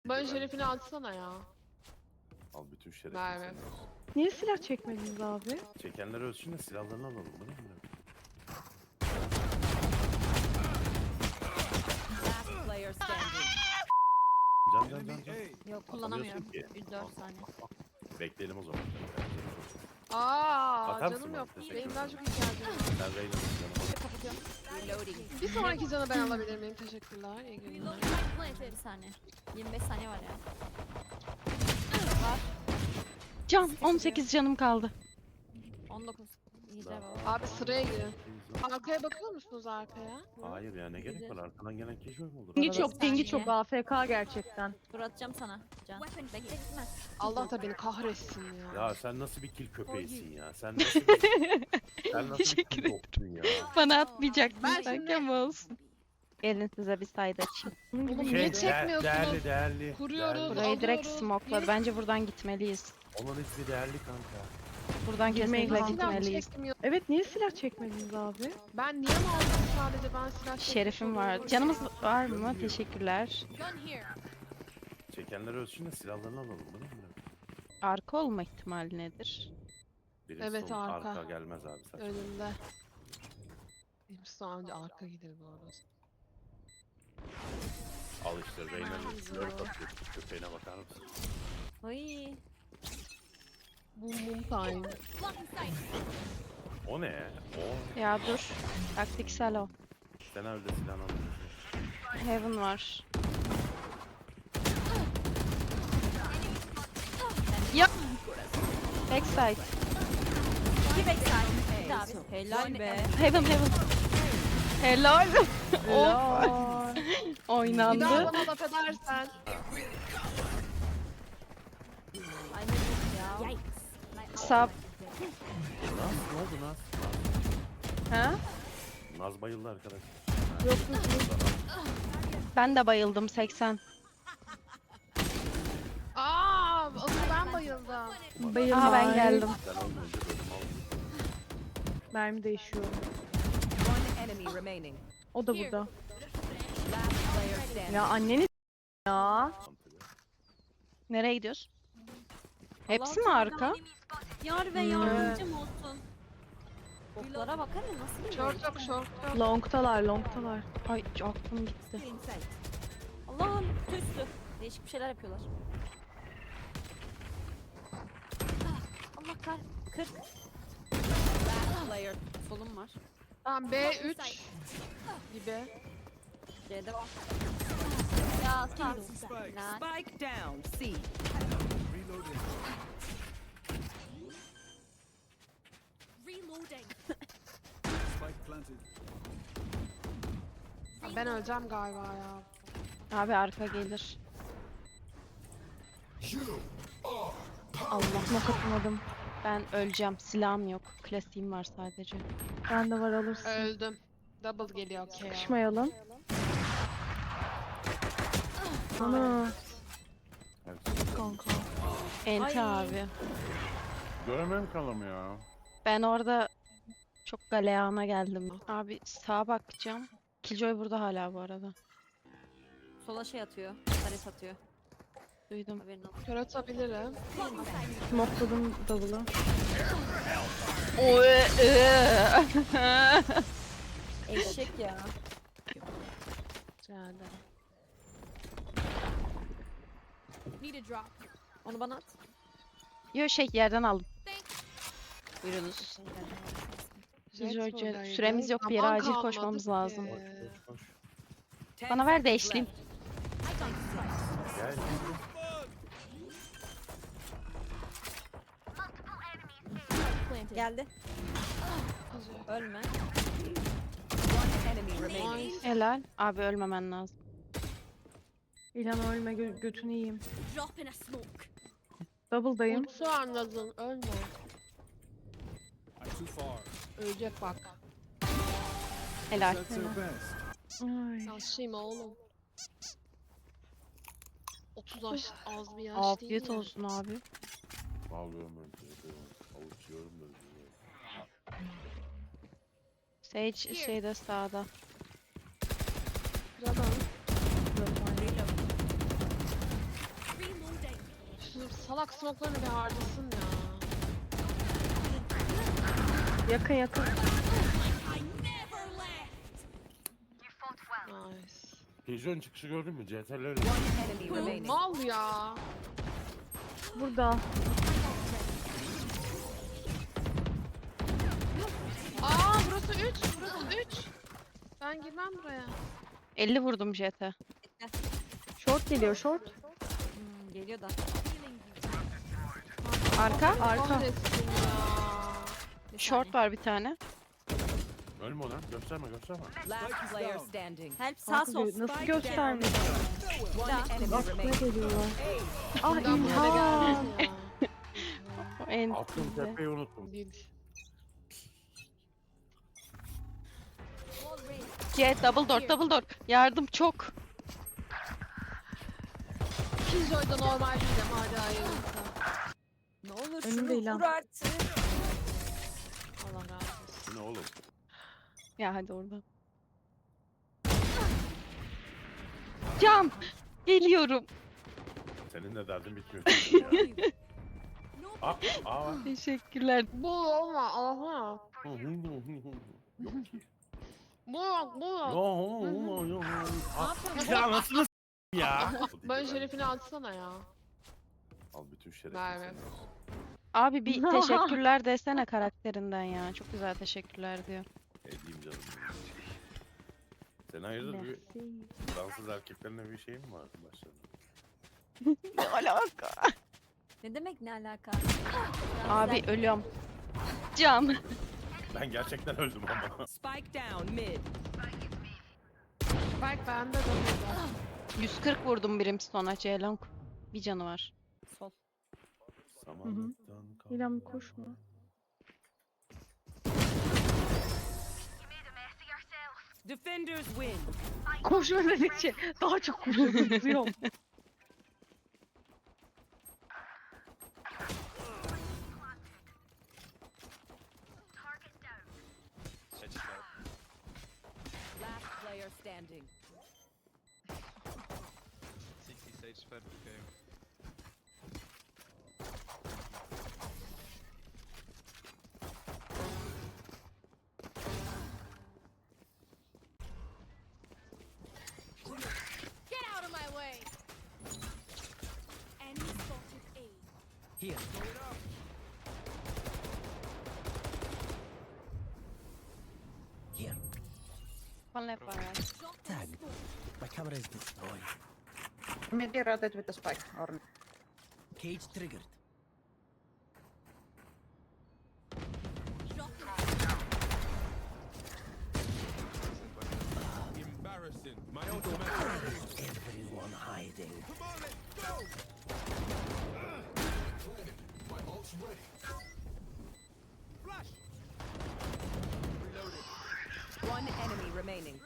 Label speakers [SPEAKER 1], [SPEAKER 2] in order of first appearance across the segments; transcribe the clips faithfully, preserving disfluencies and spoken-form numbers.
[SPEAKER 1] Bana şerefini atsana ya.
[SPEAKER 2] Al bütün şerefini
[SPEAKER 1] Merve.
[SPEAKER 2] senin olsun.
[SPEAKER 3] Niye silah çekmediniz abi?
[SPEAKER 2] Çekenler ölsün de silahlarını alalım değil mi?
[SPEAKER 4] Last player standing.
[SPEAKER 2] Can can can can.
[SPEAKER 4] Yok kullanamıyorum.
[SPEAKER 2] Atamıyorsun ki.
[SPEAKER 4] yüz dört saniye.
[SPEAKER 2] Bekleyelim o zaman.
[SPEAKER 1] Aa
[SPEAKER 2] Atar mısın
[SPEAKER 1] canım
[SPEAKER 2] bana?
[SPEAKER 1] yok.
[SPEAKER 2] Teşekkür
[SPEAKER 1] Benim
[SPEAKER 2] ederim.
[SPEAKER 1] daha çok ihtiyacım var.
[SPEAKER 2] Ben Reyna'nın canım.
[SPEAKER 4] Kapatıyorum. Reloading.
[SPEAKER 1] Bir sonraki canı ben alabilir miyim? Teşekkürler. İyi günler.
[SPEAKER 4] Bir saniye. yirmi beş saniye var ya.
[SPEAKER 3] Can on sekiz canım kaldı.
[SPEAKER 4] on dokuz. İyi de var.
[SPEAKER 1] Abi sıraya girin. Arkaya bakıyor musunuz arkaya?
[SPEAKER 2] Hayır ya ne gerek var? Arkadan gelen keşif mi olur?
[SPEAKER 3] Pingi
[SPEAKER 4] Arada
[SPEAKER 3] çok, pingi
[SPEAKER 4] saniye.
[SPEAKER 3] çok A F K gerçekten.
[SPEAKER 4] Dur atacağım sana. Can. Bekle gitme.
[SPEAKER 1] Allah da beni kahretsin ya.
[SPEAKER 2] Ya sen nasıl bir kil köpeğisin ya? Sen nasıl bir... sen nasıl bir
[SPEAKER 3] Teşekkür
[SPEAKER 2] kil doktun ya?
[SPEAKER 3] Bana atmayacaktın
[SPEAKER 1] Ben
[SPEAKER 3] sanki
[SPEAKER 1] şimdi-
[SPEAKER 3] ama olsun. Gelin size bir sayda açayım.
[SPEAKER 1] Oğlum
[SPEAKER 2] Şey,
[SPEAKER 1] niye
[SPEAKER 2] de-
[SPEAKER 1] çekmiyorsunuz?
[SPEAKER 2] değerli değerli.
[SPEAKER 1] Kuruyoruz.
[SPEAKER 2] Değerli.
[SPEAKER 3] Burayı direkt
[SPEAKER 1] alıyoruz.
[SPEAKER 3] smokeladı. Bence buradan gitmeliyiz.
[SPEAKER 2] Onun ismi değerli kanka.
[SPEAKER 3] Buradan
[SPEAKER 5] Girmeyin
[SPEAKER 3] kesinlikle
[SPEAKER 5] kanka.
[SPEAKER 1] Silah
[SPEAKER 3] gitmeliyiz.
[SPEAKER 1] çekmiyor.
[SPEAKER 5] Evet, niye silah çekmediniz abi?
[SPEAKER 1] Ben niye mi aldım sadece ben silah çekmiş
[SPEAKER 3] Şerefim var.
[SPEAKER 1] oluyorum.
[SPEAKER 3] Canımız var mı? Teşekkürler.
[SPEAKER 2] Çekenler ölsün de silahlarını alalım değil mi?
[SPEAKER 3] Arka olma ihtimali nedir?
[SPEAKER 2] Birisi
[SPEAKER 1] Evet,
[SPEAKER 2] son-
[SPEAKER 1] arka.
[SPEAKER 2] arka gelmez abi saçma.
[SPEAKER 1] Önümde. Hepsi önce arka gider bu arada.
[SPEAKER 2] Al işte Reyna'nın
[SPEAKER 1] Ay,
[SPEAKER 2] dört
[SPEAKER 1] zor.
[SPEAKER 2] atıyor. Köpeğine bakar mısın?
[SPEAKER 4] Ay.
[SPEAKER 1] Boom boom time.
[SPEAKER 2] O ne? O.
[SPEAKER 3] Ya dur. Taktiksel o.
[SPEAKER 2] Sen öyle silahını alıyorsun.
[SPEAKER 3] Heaven var. Ya. Backside.
[SPEAKER 4] İki backside. Bir daha bir. Helal be.
[SPEAKER 3] Heaven heaven. Helal. of.
[SPEAKER 5] Helal.
[SPEAKER 1] Bir daha
[SPEAKER 3] Oynandı.
[SPEAKER 1] bana laf edersen.
[SPEAKER 4] Ay ne diyorsun ya.
[SPEAKER 3] Sap.
[SPEAKER 2] Naz ne oldu Naz?
[SPEAKER 3] Ha?
[SPEAKER 2] Naz bayıldı arkadaş.
[SPEAKER 3] Ben de bayıldım seksen.
[SPEAKER 1] Aa, asıl ben bayıldım.
[SPEAKER 5] Bayılma.
[SPEAKER 3] Aha ben geldim.
[SPEAKER 2] Sen olmayınca bölüm al.
[SPEAKER 5] Mermi değişiyor.
[SPEAKER 4] One enemy remaining.
[SPEAKER 5] O da burada.
[SPEAKER 4] Last player standing.
[SPEAKER 5] Ya anneni ya.
[SPEAKER 3] Nereye gidiyoruz? Hepsi mi
[SPEAKER 4] Allah'ım
[SPEAKER 3] arka?
[SPEAKER 4] Yar ve
[SPEAKER 5] Hmm.
[SPEAKER 4] yardımcım olsun. Boklara bakar ya nasıl bir
[SPEAKER 1] Short yok short yok.
[SPEAKER 5] Longtalar, longtalar.
[SPEAKER 3] Ay aklım gitti.
[SPEAKER 4] Allah'ım üstü. Değişik bir şeyler yapıyorlar. Ah, Allah kar. kırk. Last player. Solum var.
[SPEAKER 1] Tamam B üç gibi.
[SPEAKER 4] C'de var. Ya sağ. Lan.
[SPEAKER 6] Spike down. C.
[SPEAKER 1] Ben öleceğim galiba ya.
[SPEAKER 3] Abi arka gelir. Allah
[SPEAKER 5] Nakatmadım.
[SPEAKER 3] ben öleceğim. Silahım yok. Klasiğim var sadece.
[SPEAKER 5] Ben de var alırsın.
[SPEAKER 1] Öldüm. Double geliyor okey ya.
[SPEAKER 5] Sıkışmayalım. Ana. Kanka.
[SPEAKER 3] Enti
[SPEAKER 4] Ay.
[SPEAKER 3] abi.
[SPEAKER 2] Göremem kalım ya.
[SPEAKER 3] Ben orada çok galeyana geldim. Abi sağa bakacağım. Killjoy burada hala bu arada.
[SPEAKER 4] Sola şey atıyor. Taret atıyor.
[SPEAKER 3] Duydum.
[SPEAKER 4] Haberin olsun.
[SPEAKER 1] Kör atabilirim.
[SPEAKER 5] Smokeladım double'ı.
[SPEAKER 4] Eşek ya.
[SPEAKER 1] Rica ederim.
[SPEAKER 4] Onu bana at.
[SPEAKER 3] Yo şey yerden aldım. Buyurunuz.
[SPEAKER 1] Jet
[SPEAKER 3] Killjoy,
[SPEAKER 1] buradaydı.
[SPEAKER 3] süremiz yok, bir yere
[SPEAKER 1] Zaman
[SPEAKER 3] acil
[SPEAKER 1] kalmadı
[SPEAKER 3] koşmamız
[SPEAKER 1] ki.
[SPEAKER 3] lazım.
[SPEAKER 2] Koş koş.
[SPEAKER 6] Ten
[SPEAKER 3] Bana ver de
[SPEAKER 6] seconds
[SPEAKER 3] eşleyeyim.
[SPEAKER 2] Gel.
[SPEAKER 4] Geldi. Ölme.
[SPEAKER 6] left. One enemy remaining.
[SPEAKER 3] Helal. Abi ölmemen lazım.
[SPEAKER 5] İlan ölme, gö götünü yiyeyim. Double'dayım.
[SPEAKER 1] Ultusu anladın ölme. Ölecek bak.
[SPEAKER 3] Helal.
[SPEAKER 5] Ay.
[SPEAKER 1] Yaşlıyım oğlum. otuz yaş az bir yaş değil
[SPEAKER 3] Afiyet
[SPEAKER 1] mi?
[SPEAKER 3] olsun abi.
[SPEAKER 2] Alıyorum ben. Avuç yiyorum da.
[SPEAKER 3] Sage şeyde sağda.
[SPEAKER 1] Kıramam. salak smoke'larını bir harcasın ya.
[SPEAKER 5] Yakın yakın.
[SPEAKER 1] Nice.
[SPEAKER 2] Pigeon çıkışı gördün mü? C T R'leri.
[SPEAKER 6] One enemy remaining.
[SPEAKER 1] Mal ya.
[SPEAKER 5] Burada.
[SPEAKER 1] Aa burası üç. Burası üç. Ben girmem buraya.
[SPEAKER 3] elli vurdum J T.
[SPEAKER 5] Short geliyor short.
[SPEAKER 4] Hmm, geliyor da.
[SPEAKER 3] Arka.
[SPEAKER 5] Arka.
[SPEAKER 1] Kahretsin ya.
[SPEAKER 4] Bir
[SPEAKER 3] Short
[SPEAKER 4] saniye.
[SPEAKER 3] var bir tane.
[SPEAKER 2] Ölme lan. Gösterme gösterme.
[SPEAKER 6] Last player standing.
[SPEAKER 4] Help sağ
[SPEAKER 5] Kanka,
[SPEAKER 4] sol.
[SPEAKER 5] gö- nasıl
[SPEAKER 6] Spike
[SPEAKER 5] göstermiş?
[SPEAKER 6] One enemy
[SPEAKER 5] Bak ne
[SPEAKER 6] remaining.
[SPEAKER 5] geliyorlar. Ah
[SPEAKER 1] Ben buraya
[SPEAKER 5] İlhan.
[SPEAKER 1] geldim ya.
[SPEAKER 3] O en
[SPEAKER 2] Attım
[SPEAKER 3] üstünde.
[SPEAKER 2] tepeyi unuttum.
[SPEAKER 1] Değil.
[SPEAKER 3] Jet double door double door. Yardım çok.
[SPEAKER 1] Killjoy'da normal değilim hadi hayırlısı.
[SPEAKER 4] Ne olur
[SPEAKER 5] Önümde
[SPEAKER 4] şunu
[SPEAKER 5] ilan.
[SPEAKER 4] vur artık.
[SPEAKER 1] Allah razı olsun.
[SPEAKER 2] Bu ne oğlum?
[SPEAKER 3] Ya hadi oradan. Can. Geliyorum.
[SPEAKER 2] Senin de derdin bitmiyor. çünkü ya. Ah, aa.
[SPEAKER 3] Teşekkürler.
[SPEAKER 1] Bu olma aha.
[SPEAKER 2] Hı, hı, hı, hı, hı. Yok ki.
[SPEAKER 1] Bu yok bu yok.
[SPEAKER 2] Yo, yo, yo, yo. Ah, ya nasıl s- ya?
[SPEAKER 1] Ben şerefini atsana ya.
[SPEAKER 2] Al bütün şerefini
[SPEAKER 1] Merve.
[SPEAKER 2] senin olsun.
[SPEAKER 3] Abi bir teşekkürler desene karakterinden ya. Çok güzel teşekkürler diyor.
[SPEAKER 2] Edeyim canım. benim. Sen hayırdır bir
[SPEAKER 5] Merci.
[SPEAKER 2] Fransız erkeklerine bir şey mi var başlarında?
[SPEAKER 3] Ne alaka?
[SPEAKER 4] Ne demek ne alaka?
[SPEAKER 3] Abi ölüyorum. Can.
[SPEAKER 2] Ben gerçekten öldüm ama.
[SPEAKER 6] Spike down mid.
[SPEAKER 1] Spike bende de burada.
[SPEAKER 3] yüz kırk vurdum Brimstone'a Ceylon. Bir canı var.
[SPEAKER 4] Sol.
[SPEAKER 2] Samanlıktan
[SPEAKER 5] İlhan bir
[SPEAKER 2] kalma.
[SPEAKER 5] koşma.
[SPEAKER 6] Defenders win.
[SPEAKER 5] Koşma dedikçe daha çok koşuyorum.
[SPEAKER 6] Last player standing.
[SPEAKER 7] sixty sage fed okay.
[SPEAKER 8] Get out of my way! Enemy spotted A.
[SPEAKER 9] Here. Here.
[SPEAKER 3] One left, one right.
[SPEAKER 9] Tag. My camera is destroyed.
[SPEAKER 10] Maybe rotate with the spike or
[SPEAKER 9] Cage triggered.
[SPEAKER 7] Embarrassing. My
[SPEAKER 9] Everyone hiding.
[SPEAKER 6] One enemy remaining.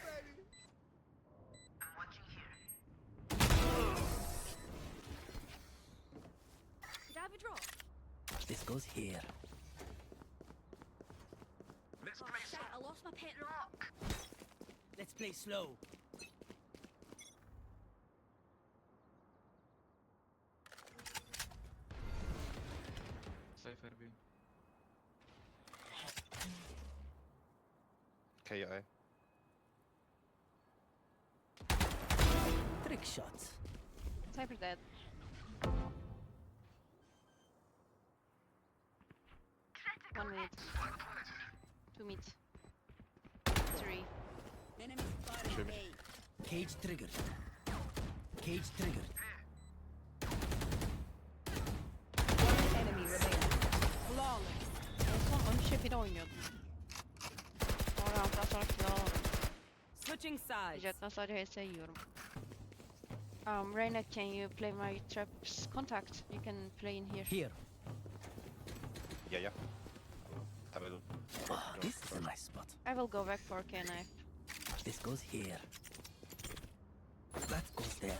[SPEAKER 8] Could I have a drop?
[SPEAKER 9] This goes here.
[SPEAKER 8] Oh, shit, I lost my pet rock.
[SPEAKER 9] Let's play slow.
[SPEAKER 7] Cypher B.
[SPEAKER 11] K I.
[SPEAKER 9] Trick shots.
[SPEAKER 3] Cypher dead. One mid. Two mid. Three.
[SPEAKER 8] Enemy spotted
[SPEAKER 11] Show me.
[SPEAKER 8] A.
[SPEAKER 9] Cage triggered. Cage triggered.
[SPEAKER 6] One enemy remaining. Flawless.
[SPEAKER 3] En son on üç bir oynuyordum. Sonra rounddan sonra kill alamadım.
[SPEAKER 6] Switching sides.
[SPEAKER 3] Jet'ten sadece H S yiyorum. Um, Reyna, can you play my traps contact? You can play in here.
[SPEAKER 9] Here.
[SPEAKER 11] Yeah, yeah. Have a look.
[SPEAKER 9] Ah, this is a nice spot.
[SPEAKER 3] I will go back for K knife.
[SPEAKER 9] This goes here. That goes there.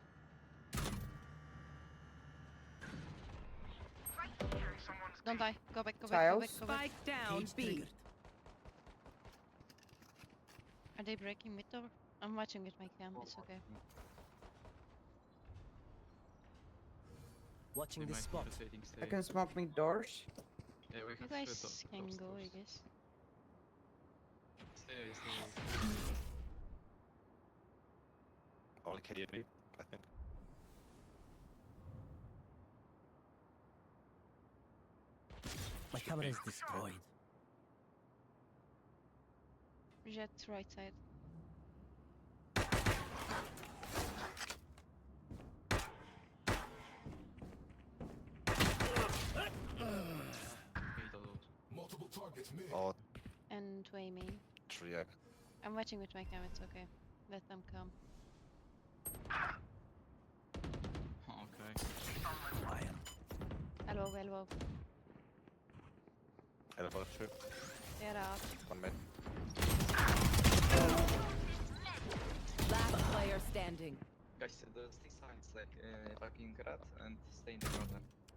[SPEAKER 3] Don't die. Go back, go back, go back,
[SPEAKER 10] Tiles.
[SPEAKER 3] go back.
[SPEAKER 6] Spike down
[SPEAKER 9] Cage
[SPEAKER 6] B.
[SPEAKER 9] triggered.
[SPEAKER 3] Are they breaking mid door? I'm watching with my cam, it's okay.
[SPEAKER 9] Watching
[SPEAKER 7] They
[SPEAKER 9] this
[SPEAKER 7] might
[SPEAKER 9] spot.
[SPEAKER 7] be rotating
[SPEAKER 10] I
[SPEAKER 7] stay.
[SPEAKER 10] can smoke me doors.
[SPEAKER 7] Yeah, we
[SPEAKER 3] You
[SPEAKER 7] can
[SPEAKER 3] guys
[SPEAKER 7] split
[SPEAKER 3] can
[SPEAKER 7] those
[SPEAKER 3] go, I
[SPEAKER 7] doors.
[SPEAKER 3] guess.
[SPEAKER 7] Stay, stay.
[SPEAKER 11] All K D B, I think.
[SPEAKER 9] My camera is destroyed.
[SPEAKER 3] Jet right side.
[SPEAKER 7] Eight of those.
[SPEAKER 11] Or
[SPEAKER 3] And way main.
[SPEAKER 11] three A.
[SPEAKER 3] I'm watching with my cam, it's okay. Let them come.
[SPEAKER 7] Okay.
[SPEAKER 9] Fire.
[SPEAKER 3] Elbow, elbow.
[SPEAKER 11] Elbow two.
[SPEAKER 3] They're out.
[SPEAKER 11] One mid.
[SPEAKER 6] Last player standing.
[SPEAKER 7] Guys, the stick signs like uh, fucking rat and stay in the corner.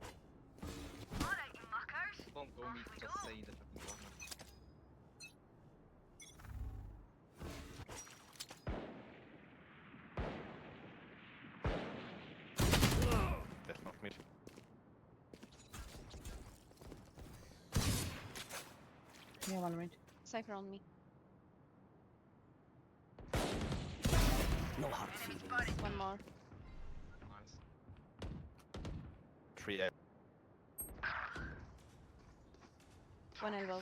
[SPEAKER 7] Don't go meet, just stay in the fucking corner.
[SPEAKER 11] Death knock mid.
[SPEAKER 10] Yeah, one minute.
[SPEAKER 3] Cypher on me.
[SPEAKER 9] No hard feelings.
[SPEAKER 3] One more.
[SPEAKER 7] Nice.
[SPEAKER 11] Three A.
[SPEAKER 3] One elbow.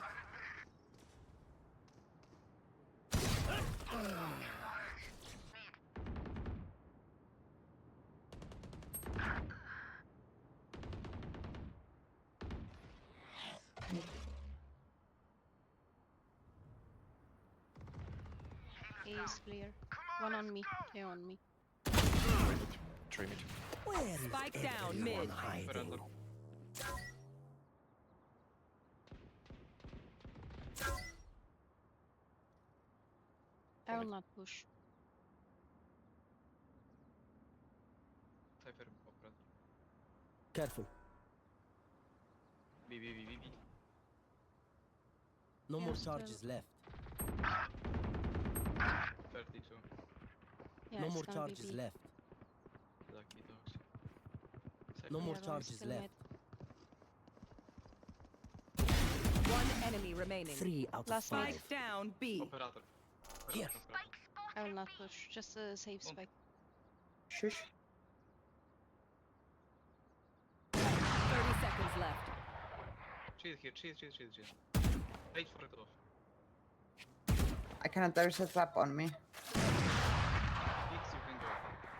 [SPEAKER 3] A is clear. One on me. Two on me.
[SPEAKER 11] Three mid.
[SPEAKER 9] Where is
[SPEAKER 6] Spike down,
[SPEAKER 9] everyone
[SPEAKER 6] mid.
[SPEAKER 9] hiding?
[SPEAKER 7] Veranda.
[SPEAKER 3] I will not push.
[SPEAKER 7] Cypher operator.
[SPEAKER 9] Careful.
[SPEAKER 7] B, B, B, B, B.
[SPEAKER 9] No
[SPEAKER 3] Yeah,
[SPEAKER 9] more
[SPEAKER 3] still-
[SPEAKER 9] charges left.
[SPEAKER 7] thirty-two.
[SPEAKER 3] Yeah,
[SPEAKER 9] no
[SPEAKER 3] it's
[SPEAKER 9] more
[SPEAKER 3] gonna be
[SPEAKER 9] charges
[SPEAKER 3] B.
[SPEAKER 9] left.
[SPEAKER 7] Lucky dogs.
[SPEAKER 9] No
[SPEAKER 7] Cypher.
[SPEAKER 9] more
[SPEAKER 3] Yeah, one's
[SPEAKER 9] charges
[SPEAKER 3] still
[SPEAKER 9] left.
[SPEAKER 3] mid.
[SPEAKER 6] One enemy remaining.
[SPEAKER 9] Three out of
[SPEAKER 3] Last
[SPEAKER 9] five.
[SPEAKER 6] Spike down B.
[SPEAKER 7] Operator.
[SPEAKER 9] Here.
[SPEAKER 7] Operator, operator.
[SPEAKER 3] I will not push. Just a safe
[SPEAKER 7] Don't-
[SPEAKER 3] spike.
[SPEAKER 10] Shush.
[SPEAKER 6] Thirty seconds left.
[SPEAKER 7] Chill here, chill, chill, chill, chill. Wait for it off.
[SPEAKER 10] I cannot. There's a trap on me.
[SPEAKER 7] X, you can go.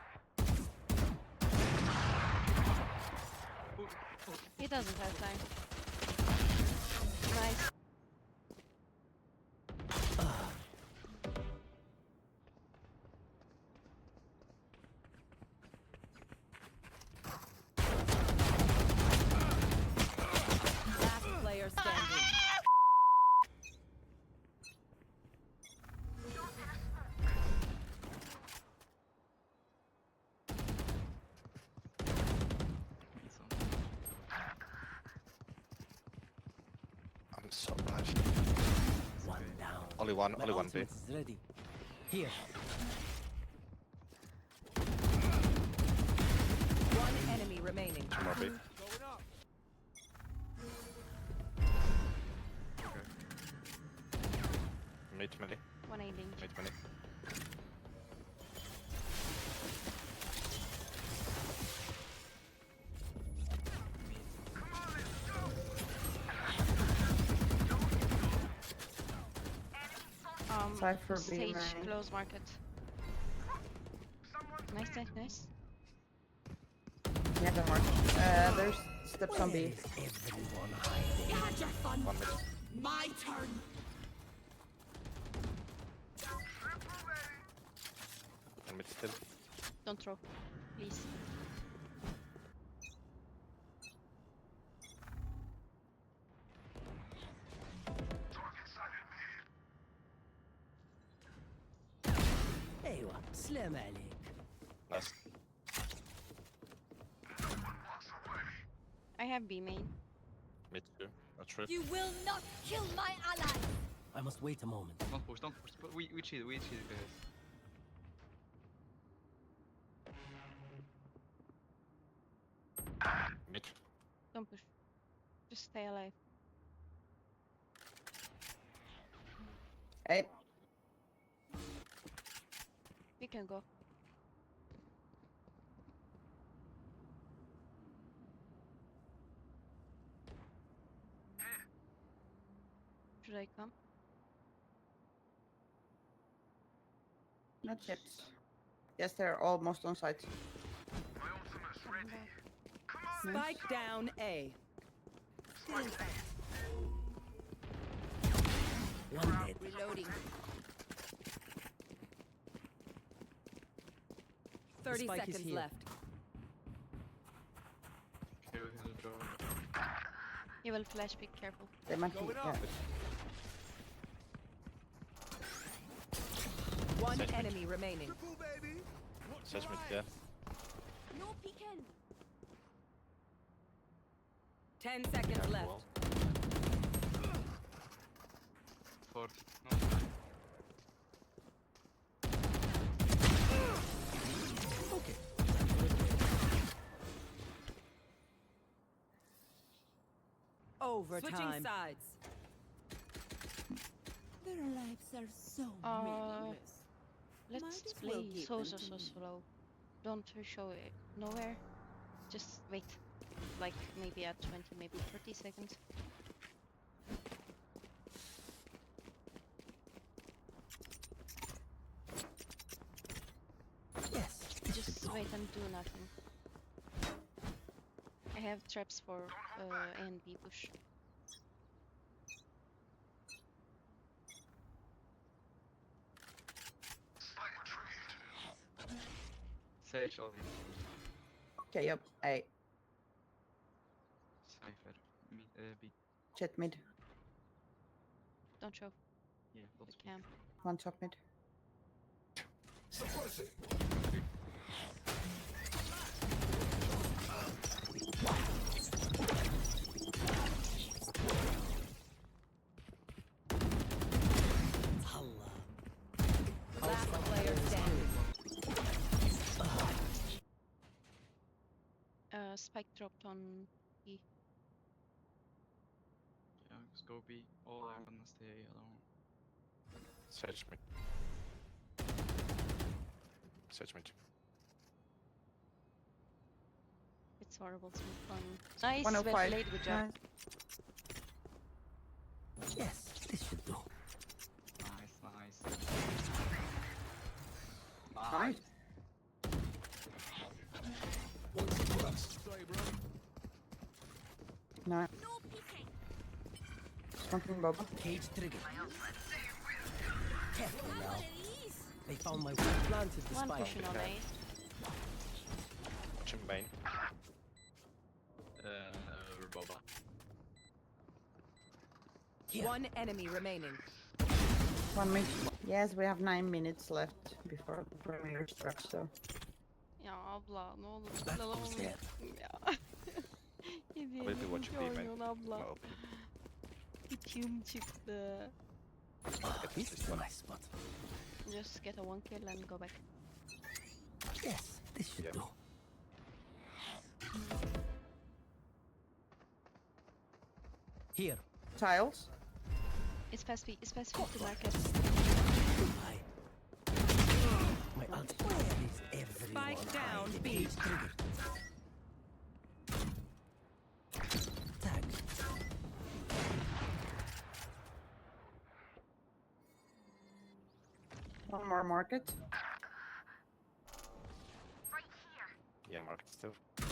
[SPEAKER 7] Ooh, ooh.
[SPEAKER 3] He doesn't have time. Nice.
[SPEAKER 6] Last player standing.
[SPEAKER 7] Need some.
[SPEAKER 11] I'm so bad.
[SPEAKER 9] One down.
[SPEAKER 11] Only one,
[SPEAKER 9] My
[SPEAKER 11] only one B.
[SPEAKER 9] ultimate is ready. Here.
[SPEAKER 6] One enemy remaining.
[SPEAKER 11] Two more B. Mid melee.
[SPEAKER 3] One aiding.
[SPEAKER 11] Mid melee.
[SPEAKER 3] Um,
[SPEAKER 10] Cypher B
[SPEAKER 3] stage
[SPEAKER 10] main.
[SPEAKER 3] close market. Nice, nice, nice.
[SPEAKER 10] Yeah, don't worry. Uh, there's steps on
[SPEAKER 9] Where
[SPEAKER 10] B.
[SPEAKER 9] is everyone hiding?
[SPEAKER 8] You had your fun.
[SPEAKER 11] One mid.
[SPEAKER 8] My turn.
[SPEAKER 11] One mid still.
[SPEAKER 3] Don't throw, please.
[SPEAKER 9] ايوه سلام عليك.
[SPEAKER 11] Last.
[SPEAKER 3] I have B main.
[SPEAKER 11] Mid two. A trip.
[SPEAKER 8] You will not kill my ally.
[SPEAKER 9] I must wait a moment.
[SPEAKER 7] Don't push, don't push. We, we chill, we chill, guys.
[SPEAKER 3] Don't push. Just stay alive.
[SPEAKER 10] Hey,
[SPEAKER 3] You can go. Should I come?
[SPEAKER 10] not yet. Yes, they're almost on site.
[SPEAKER 3] Come back.
[SPEAKER 6] Spike down A.
[SPEAKER 9] One dead.
[SPEAKER 6] Reloading. Thirty
[SPEAKER 9] spike is
[SPEAKER 6] seconds
[SPEAKER 9] here.
[SPEAKER 6] left.
[SPEAKER 7] Okay, we can draw.
[SPEAKER 3] You will flash, be careful.
[SPEAKER 10] They might be. Yeah.
[SPEAKER 6] One
[SPEAKER 11] Sage mid.
[SPEAKER 6] enemy remaining.
[SPEAKER 11] Sage mid there.
[SPEAKER 8] No peeking.
[SPEAKER 6] Ten seconds
[SPEAKER 11] Careful.
[SPEAKER 6] left.
[SPEAKER 7] forty. No.
[SPEAKER 9] Okay.
[SPEAKER 6] Overtime. Switching sides.
[SPEAKER 8] Their lives are so
[SPEAKER 3] Uh,
[SPEAKER 8] meaningless.
[SPEAKER 3] Let's
[SPEAKER 8] Might as well
[SPEAKER 3] play
[SPEAKER 8] give
[SPEAKER 3] so
[SPEAKER 8] them
[SPEAKER 3] so
[SPEAKER 8] to
[SPEAKER 3] so
[SPEAKER 8] me.
[SPEAKER 3] slow. Don't show it nowhere. Just wait. Like maybe at twenty, maybe thirty seconds.
[SPEAKER 9] Yes. This should
[SPEAKER 3] Just
[SPEAKER 9] do.
[SPEAKER 3] wait and do nothing. I have traps for uh, A and B push.
[SPEAKER 7] Sage only.
[SPEAKER 10] Okay, yep. Hey,
[SPEAKER 7] Cypher. Mid, uh, B.
[SPEAKER 10] jet mid.
[SPEAKER 3] Don't show
[SPEAKER 7] Yeah,
[SPEAKER 3] the
[SPEAKER 7] both
[SPEAKER 3] cam.
[SPEAKER 10] One top mid.
[SPEAKER 9] Allah.
[SPEAKER 6] Last player standing.
[SPEAKER 3] Uh, spike dropped on B.
[SPEAKER 7] Yeah, just go B. All are gonna stay alone.
[SPEAKER 11] Sage mid. Sage mid.
[SPEAKER 3] It's horrible to be fun. Nice,
[SPEAKER 10] one oh
[SPEAKER 3] well
[SPEAKER 10] five.
[SPEAKER 3] played, good job.
[SPEAKER 10] Nice.
[SPEAKER 9] Yes. This should do.
[SPEAKER 7] Nice, nice.
[SPEAKER 10] Nice. Nice.
[SPEAKER 8] No peeking.
[SPEAKER 10] Something bubble.
[SPEAKER 9] Cage trigger. Careful
[SPEAKER 8] Have
[SPEAKER 9] now.
[SPEAKER 8] one of these.
[SPEAKER 9] They found my weak planted the
[SPEAKER 3] One
[SPEAKER 9] spike.
[SPEAKER 3] pushing on A.
[SPEAKER 11] Watching main.
[SPEAKER 7] Uh, Boba.
[SPEAKER 9] Here.
[SPEAKER 6] One enemy remaining.
[SPEAKER 10] One mid. Yes, we have nine minutes left before the premiere starts, so.
[SPEAKER 3] Ya abla ne olur
[SPEAKER 9] That
[SPEAKER 3] abla
[SPEAKER 9] was
[SPEAKER 3] olur.
[SPEAKER 9] there.
[SPEAKER 3] Ya.
[SPEAKER 11] I'll be watching B main.
[SPEAKER 3] oynuyorsun abla.
[SPEAKER 11] No opening.
[SPEAKER 3] İçim çıktı.
[SPEAKER 9] Ah, this is a nice spot.
[SPEAKER 3] Just get a one kill and go back.
[SPEAKER 9] Yes. This should
[SPEAKER 11] Yep.
[SPEAKER 9] do. Here.
[SPEAKER 10] Tiles.
[SPEAKER 3] It's past B, it's past B to market.
[SPEAKER 9] I. My ultimate is everyone.
[SPEAKER 6] Spike down,
[SPEAKER 9] hide.
[SPEAKER 6] B.
[SPEAKER 9] Cage trigger. Tag.
[SPEAKER 10] One more market.
[SPEAKER 11] Yeah, market still.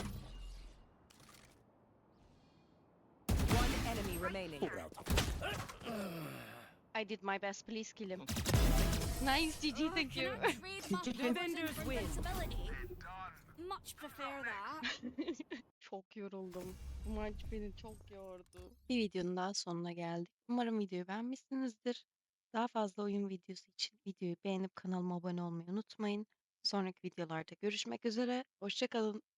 [SPEAKER 6] One enemy remaining.
[SPEAKER 9] Pull out of
[SPEAKER 3] I did my best, please kill him. Nice, G G, thank you.
[SPEAKER 8] Can I trade my
[SPEAKER 6] Defenders
[SPEAKER 8] built-in
[SPEAKER 6] win.
[SPEAKER 8] invincibility? Much prefer that.
[SPEAKER 3] Çok yoruldum. Bu maç beni çok yordu. Bir videonun daha sonuna geldik. Umarım videoyu beğenmişsinizdir. Daha fazla oyun videosu için videoyu beğenip kanalıma abone olmayı unutmayın. Sonraki videolarda görüşmek üzere. Hoşça kalın.